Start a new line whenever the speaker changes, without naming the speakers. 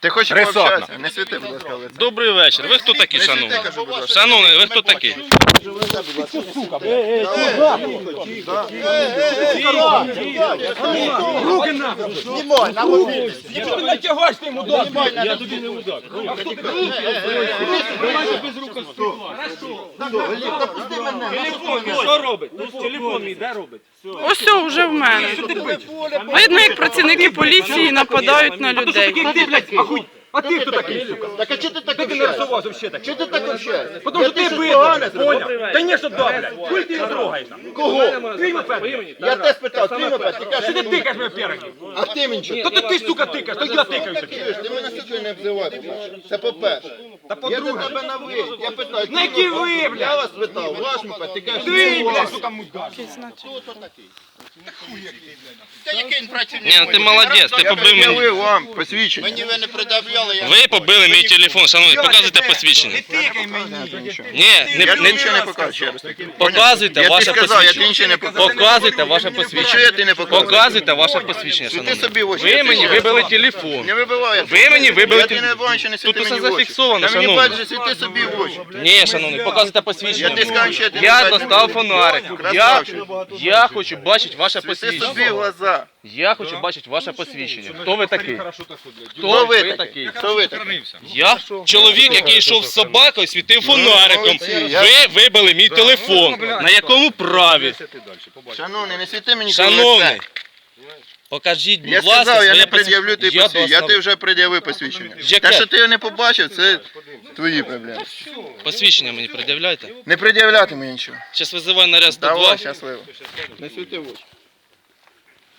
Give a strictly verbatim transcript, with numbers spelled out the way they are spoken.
Ти хочеш
Рисотна.
пообщатися? Не світи, будь ласка, в лице.
Добрий вечір. Ви хто такі, шановні?
кажу, будь ласка.
Шановний, ви хто такі?
Руки нахуй!
Знімай, на мобіль.
Ти не тягаєш ти йому дати!
Я тобі не удак.
Що робить? Телефон мій де робить?
Ось все, вже в мене. Видно, як працівники поліції нападають на людей.
Ти, блядь, ахуй! А ти хто такий, сука?
Так а чого ти так
Ти не
общаєшся?
розсувався взагалі так?
Чого ти так общаєшся?
Потому що ти битий, поняв? Конечно, да, блядь. Хуй ти не трогаєш нам.
Кого?
Твій мопед.
Я тебе спитав, ти мопед, ти кажеш,
Що ти тикаєш мене переді?
а ти мені що?
То ти, ти, сука, тикаєш, то я тикаю тобі.
Чуєш, ти мене сюди не обзивай, по-перше. Це по-перше.
Та
Я до
по-друге.
тебе на ви. Я питаю,
На які ви,
Я
блядь?
вас питав, ваш мопед, ти кажеш,
Ти,
не
блядь,
ваш.
сука, мудак.
Хто то такий? Та який він працівник?
Ні, ну ти молодець, ти
Я
побив мені.
пред'явив вам посвідчення. Мені ви не пред'являли, я...
Ви побили мій телефон, шановні, показуйте посвідчення.
Тикай мені.
Ні, не,
Я тобі
не,
нічого не покажу, ще раз. таки.
показуйте
Я
ваше
тобі сказав, я тобі
посвідчення.
нічого не покажу.
Показуйте ваше
Нічого
посвідчення.
я тобі не покажу.
Показуйте ваше посвідчення,
Ти
шановні.
собі в очі.
Ви
я
мені
тобі
вибили
ще раз.
телефон.
Не вибиваю.
Ви мені вибили
Я тобі не
телефон.
бачу, не світи
Тут
мені
усе
в очі.
зафіксовано,
Та мені
шановні.
бачиш, світи собі в очі.
Ні, шановний, показуйте
Я
посвідчення.
ти скажу, що я тобі
Я
не
достав
бачу.
фонарик. Я,
Красавчик.
я хочу бачити ваше
Світи собі в
посвідчення.
глаза.
Я хочу бачити ваше посвідчення. Хто ви такий?
Хто
Хто
ви
ви
такий?
такий?
Хто ви такий?
Я чоловік, який йшов з собакою, світив фонариком.
молодці, я-
Ви вибили мій телефон. На якому праві?
Шановний, не світи мені в
Шановний,
лице.
покажіть,
Я
будь ласка,
сказав, я
своє
не пред'явлю тобі
посвідчення.
посвідчення. Я
достав.
ти вже пред'явив посвідчення.
Яке?
Те, що ти його не побачив, це твої проблеми.
Посвідчення мені пред'являйте.
Не пред'являти мені нічого.
Зараз визиваю наряд сто два.
Давай, щасливо. Не світи в очі.